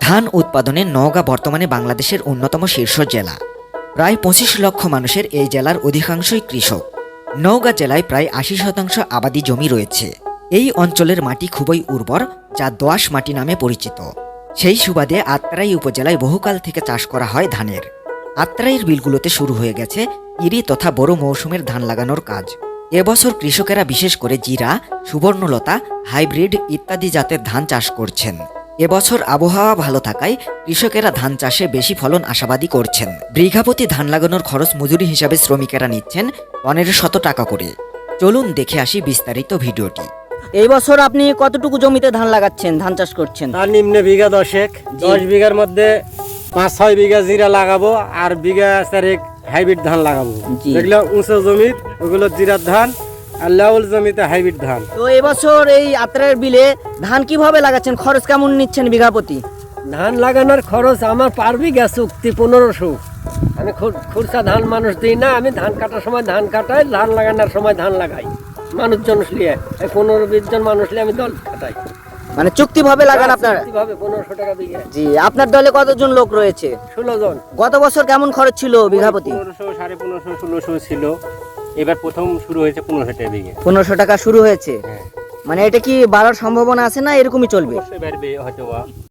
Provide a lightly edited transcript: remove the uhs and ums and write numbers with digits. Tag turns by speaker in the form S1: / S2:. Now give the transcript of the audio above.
S1: ধান উৎপাদনে নওগাঁ বর্তমানে বাংলাদেশের অন্যতম শীর্ষ জেলা। প্রায় ২৫ লক্ষ মানুষের এই জেলার অধিকাংশই কৃষক। নওগাঁ জেলায় প্রায় ৮০% আবাদি জমি রয়েছে। এই অঞ্চলের মাটি খুবই উর্বর, যা দোআঁশ মাটি নামে পরিচিত। সেই সুবাদে আত্রাই উপজেলায় বহুকাল থেকে চাষ করা হয় ধানের। আত্রাইয়ের বিলগুলোতে শুরু হয়ে গেছে ইরি তথা বড় মৌসুমের ধান লাগানোর কাজ। এবছর কৃষকেরা বিশেষ করে জিরা, সুবর্ণলতা, হাইব্রিড ইত্যাদি জাতের ধান চাষ করছেন। এবছর আবহাওয়া ভালো থাকায় কৃষকেরা ধান চাষে বেশি ফলন আশাবাদী করছেন। বিঘাপ্রতি ধান লাগানোর খরচ মজুরি হিসাবে শ্রমিকেরা নিচ্ছেন ১৫০০ টাকা করে। চলুন দেখে আসি বিস্তারিত ভিডিওটি।
S2: এই বছর আপনি কতটুকু জমিতে ধান লাগাচ্ছেন, ধান চাষ করছেন?
S3: তার নিম্নে বিঘা ১০ ১০ বিঘার মধ্যে ৫-৬ বিঘা জিরা লাগাবো আর বিঘা ৪ হাইব্রিড ধান লাগাবো।
S2: জি।
S3: যেগুলো উঁচু জমি ওগুলো জিরার ধান আর লেওল জমিতে হাইব্রিড ধান।
S2: তো এবছর এই আত্রাইয়ের বিলে ধান কিভাবে লাগাচ্ছেন, খরচ কেমন নিচ্ছেন বিঘা প্রতি?
S4: ধান লাগানোর খরচ আমার পার বিঘা চুক্তি ১৫০০। আমি খুরসা ধান মানুষ দিই না, আমি ধান কাটার সময় ধান কাটাই, ধান লাগানোর সময় ধান লাগাই। মানুষজন লিয়ে ১৫-২০ জন মানুষ লিয়ে আমি দল কাটাই।
S2: মানে চুক্তিভাবে লাগান আপনারা?
S4: কিভাবে ১৫০০ টাকা বিঘা।
S2: জি। আপনার দলে কতজন লোক রয়েছে?
S4: ১৬ জন।
S2: গত বছর কেমন খরচ ছিল বিঘা প্রতি?
S3: ১৫০০, ১৫৫০, ১৬০০ ছিল। এবার প্রথম শুরু হয়েছে ১৫০০ টাকা বিঘা।
S2: ১৫০০ টাকা শুরু হয়েছে।
S3: হ্যাঁ,
S2: মানে এটা কি বাড়ার সম্ভাবনা আছে না এরকমই চলবে?
S3: অবশ্যই বাড়বে হয়তো বা।